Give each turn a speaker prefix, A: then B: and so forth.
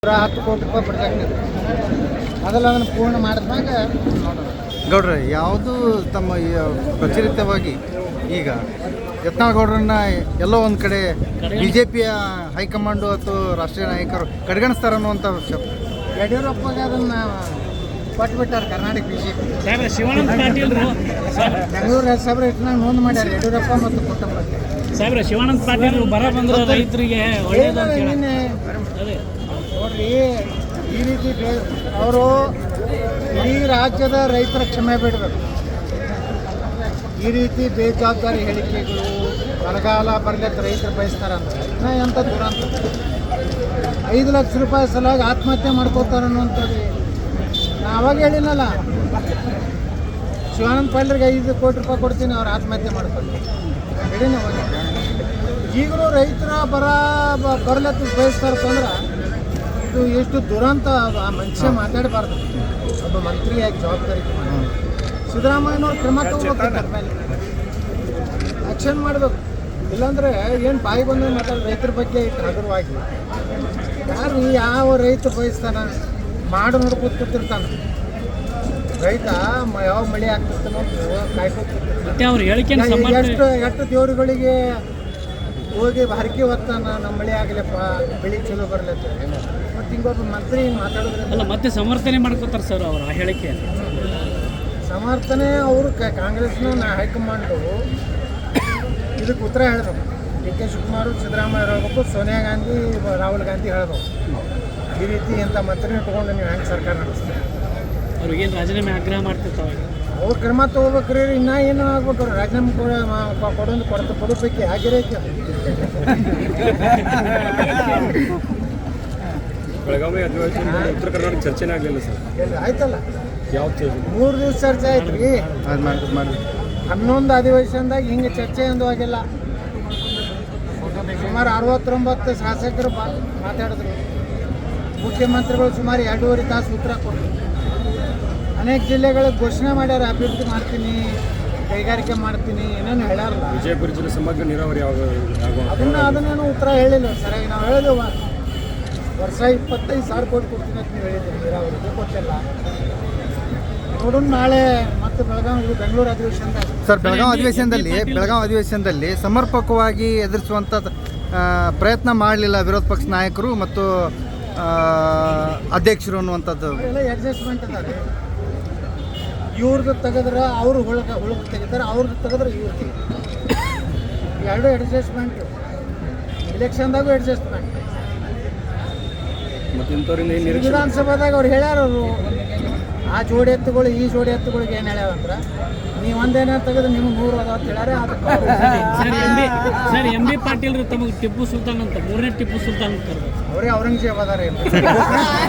A: 10 ಕೋಟಿ ರೂಪಾಯಿ ಪ್ರಾಜೆಕ್ಟ್ ಇದೆ. ಅದೆಲ್ಲ ಅದನ್ನು ಪೂರ್ಣ ಮಾಡಿದ್ಮ್ಯಾಗ ನೋಡೋಣ.
B: ಗೌಡ್ರೆ, ಯಾವುದು ತಮ್ಮ ಪ್ರಚಲಿತವಾಗಿ ಈಗ ಯತ್ನಾಳ್ ಗೌಡ್ರನ್ನ ಎಲ್ಲೋ ಒಂದು ಕಡೆ BJPಯ ಹೈಕಮಾಂಡು ಅಥವಾ ರಾಷ್ಟ್ರೀಯ ನಾಯಕರು ಕಡೆಗಣಿಸ್ತಾರೆ ಅನ್ನುವಂಥ
A: ಯಡಿಯೂರಪ್ಪಗೆ ಅದನ್ನು ಕೊಟ್ಬಿಟ್ಟಾರೆ ಕರ್ನಾಟಕ BJP.
C: ಶಿವಾನಂದ ಪಾಟೀಲ್
A: ಬೆಂಗಳೂರು ಹೆಸರು ಇಟ್ನಾಗ ನೋಂದು ಮಾಡ್ಯಾರ ಯಡಿಯೂರಪ್ಪ ಮತ್ತು ಕುಟುಂಬಕ್ಕೆ.
C: ಸಾಹೇಬ್ರೆ, ಶಿವಾನಂದ ಪಾಟೀಲ್ ಬರ ಬಂದ್ರೆ ರೈತರಿಗೆ ಒಳ್ಳೇದು ಅಂತ ಹೇಳಿ.
A: ನೋಡ್ರಿ, ಈ ರೀತಿ ಅವರು ಇಡೀ ರಾಜ್ಯದ ರೈತರ ಕ್ಷಮೆ ಬಿಡಬೇಕು. ಈ ರೀತಿ ಬೇಜವಾಬ್ದಾರಿ ಹೇಳಿಕೆಗಳು ಬರಗಾಲ ಬರಲಿಕ್ಕೆ ರೈತರು ಬಯಸ್ತಾರಂತ ಎಂಥ ದುರಂತ. 5 ಲಕ್ಷ ರೂಪಾಯಿ ಸಲುವಾಗಿ ಆತ್ಮಹತ್ಯೆ ಮಾಡ್ಕೋತಾರೆ ಅನ್ನುವಂಥದ್ದು ನಾ ಅವಾಗ ಹೇಳಿನಲ್ಲ. ಶಿವಾನಂದ ಪಾಟೀಲ್ಗೆ 5 ಕೋಟಿ ರೂಪಾಯಿ ಕೊಡ್ತೀನಿ, ಅವ್ರು ಆತ್ಮಹತ್ಯೆ ಮಾಡ್ತಾರೆ ಹೇಳಿನ ಅವಾಗ. ಈಗಲೂ ರೈತರ ಬರಲತ್ತ ಬಯಸ್ತಾರಂದ್ರೆ ಇದು ಎಷ್ಟು ದುರಂತ. ಆ ಮನುಷ್ಯ ಮಾತಾಡಬಾರ್ದು ಒಬ್ಬ ಮಂತ್ರಿಯಾಗಿ ಜವಾಬ್ದಾರಿ. ಸಿದ್ದರಾಮಯ್ಯನವ್ರು ಕ್ರಮ ತಗೋಬೇಕು, ಮೇಲೆ ಆ್ಯಕ್ಷನ್ ಮಾಡಬೇಕು. ಇಲ್ಲಾಂದರೆ ಏನು ಬಾಯಿ ಬಂದು ಮಾತಾಡೋದು ರೈತರ ಬಗ್ಗೆ ಇಟ್ಟು ಹಗುರವಾಗಿ. ಯಾರು ಯಾವ ರೈತ ಬಯಸ್ತಾನ ಮಾಡು ನೋಡ್ಕೊತ ಕೂತಿರ್ತಾನೆ. ರೈತ ಯಾವ ಮಳೆ ಆಗ್ತಿರ್ತಾನೋ ಕಾಯ್ಕೊತಿರ್ತಾನೆ. ಎಷ್ಟು ದೇವ್ರುಗಳಿಗೆ ಹೋಗಿ ಹರಕೆ ಹೊತ್ತಾನ, ನಮ್ಮ ಮಳೆ ಆಗಲಪ್ಪ, ಬೆಳೆ ಚಲೋ ಬರಲತ್ತ. ಮತ್ತು ಹಿಂಗೊಬ್ಬ ಮಂತ್ರಿ ಮಾತಾಡೋದ್ರಿಂದ
C: ಮತ್ತೆ ಸಮರ್ಥನೆ ಮಾಡ್ಕೋತಾರೆ ಸರ್ ಅವರು ಆ ಹೇಳಿಕೆ.
A: ಸಮರ್ಥನೆ ಅವರು ಕಾಂಗ್ರೆಸ್ನ ಹೈಕಮಾಂಡು ಇದಕ್ಕೆ ಉತ್ತರ ಹೇಳಬೇಕು. DK ಶಿವಕುಮಾರ್, ಸಿದ್ದರಾಮಯ್ಯ ಹೇಳ್ಬೇಕು, ಸೋನಿಯಾ ಗಾಂಧಿ, ರಾಹುಲ್ ಗಾಂಧಿ ಹೇಳ್ಬೇಕು. ಈ ರೀತಿ ಇಂಥ ಮಂತ್ರಿನ ತೊಗೊಂಡು ನೀವು ಹೆಂಗೆ ಸರ್ಕಾರ ನಡೆಸ್ತೀರಿ?
C: ಅವ್ರಿಗೇನು ರಾಜೀನಾಮೆ ಆಗ್ರಹ ಮಾಡ್ತಿರ್ತಾವೆ.
A: ಅವ್ರು ಕ್ರಮ ತೊಗೋಬೇಕ್ರಿ. ಇನ್ನೂ ಏನು ಆಗ್ಬೇಕು? ರಾಜೀನಾಮೆ ಕೊಡಬೇಕು ಆಗಿರೈತೆ.
D: ಬೆಳಗಾವಿ ಅಧಿವೇಶನ ಉತ್ತರ ಕರ್ನಾಟಕ ಚರ್ಚೆನೇ ಆಗಲಿಲ್ಲ ಸರ್.
A: ಆಯ್ತಲ್ಲ,
D: ಯಾವ
A: 3 ದಿವಸ ಚರ್ಚೆ ಆಯ್ತು ರೀ. 11 ಅಧಿವೇಶನದಾಗ ಹಿಂಗೆ ಚರ್ಚೆ ಎಂದು ಆಗಿಲ್ಲ. ಸುಮಾರು 69 ಶಾಸಕರು ಮಾತಾಡಿದ್ರು. ಮುಖ್ಯಮಂತ್ರಿಗಳು ಸುಮಾರು 2.5 ತಾಸು ಉತ್ತರ ಕೊಟ್ಟರು. ಅನೇಕ ಜಿಲ್ಲೆಗಳಿಗೆ ಘೋಷಣೆ ಮಾಡ್ಯಾರ, ಅಭಿವೃದ್ಧಿ ಮಾಡ್ತೀನಿ, ಕೈಗಾರಿಕೆ ಮಾಡ್ತೀನಿ, ಏನೇನು ಹೇಳಾರಲ್ಲ.
D: ವಿಜಯಪುರ ಜಿಲ್ಲೆ ಸಮಗ್ರ ನೀರಾವರಿ
A: ಅದನ್ನೇನು ಉತ್ತರ ಹೇಳಿಲ್ಲ ಸರಿಯಾಗಿ. ನಾವು ಹೇಳಿದೆವು ವರ್ಷ 25,000 ಕೋಟಿ ಕೊಡ್ತೀನಿ ಅಂತ ನೀವು ಹೇಳಿದ್ದೀವಿ, ನೀರಾವರಿಗೆ ಕೊಟ್ಟಿಲ್ಲ. ನೋಡೋಣ ನಾಳೆ ಮತ್ತೆ ಬೆಂಗಳೂರು ಅಧಿವೇಶನದಾಗ.
B: ಸರ್, ಬೆಳಗಾವಿ ಅಧಿವೇಶನದಲ್ಲಿ ಸಮರ್ಪಕವಾಗಿ ಎದುರಿಸುವಂಥ ಪ್ರಯತ್ನ ಮಾಡಲಿಲ್ಲ ವಿರೋಧ ಪಕ್ಷ ನಾಯಕರು ಮತ್ತು ಅಧ್ಯಕ್ಷರು ಅನ್ನುವಂಥದ್ದು.
A: ಎಲ್ಲ ಅಡ್ಜಸ್ಟ್ಮೆಂಟ್ ಅದಾರೆ. ಇವ್ರದ್ದು ತೆಗೆದ್ರೆ ಅವರು ಹುಳುಗ ತೆಗಿತಾರೆ, ಅವ್ರದ್ದು ತೆಗೆದ್ರೆ ಇವ್ರು ತೆಗಿತಾರೆ. ಎರಡು ಅಡ್ಜಸ್ಟ್ಮೆಂಟು. ಇಲೆಕ್ಷನ್ದಾಗೂ ಅಡ್ಜಸ್ಟ್ಮೆಂಟ್. ವಿಧಾನಸಭಾದಾಗ ಅವ್ರು ಹೇಳ್ಯಾರ, ಅವರು ಆ ಜೋಡಿ ಎತ್ತುಗಳು ಈ ಜೋಡಿ ಎತ್ತುಗಳಿಗೆ ಏನು ಹೇಳ್ಯಾವಂದ್ರೆ, ನೀವು ಒಂದೇನ ತೆಗೆದು ನಿಮ್ಗೆ 100 ಅದಾವ ಅಂತ ಹೇಳ್ಯಾರ.
C: ಸರ್, MB ಪಾಟೀಲ್ ತಮಗೆ ಟಿಪ್ಪು ಸುಲ್ತಾನ್ ಅಂತ, 3ನೇ ಟಿಪ್ಪು ಸುಲ್ತಾನ್ ಅಂತ
A: ಅವರೇ ಔರಂಗಜೇಬ್ ಅದಾರೆ.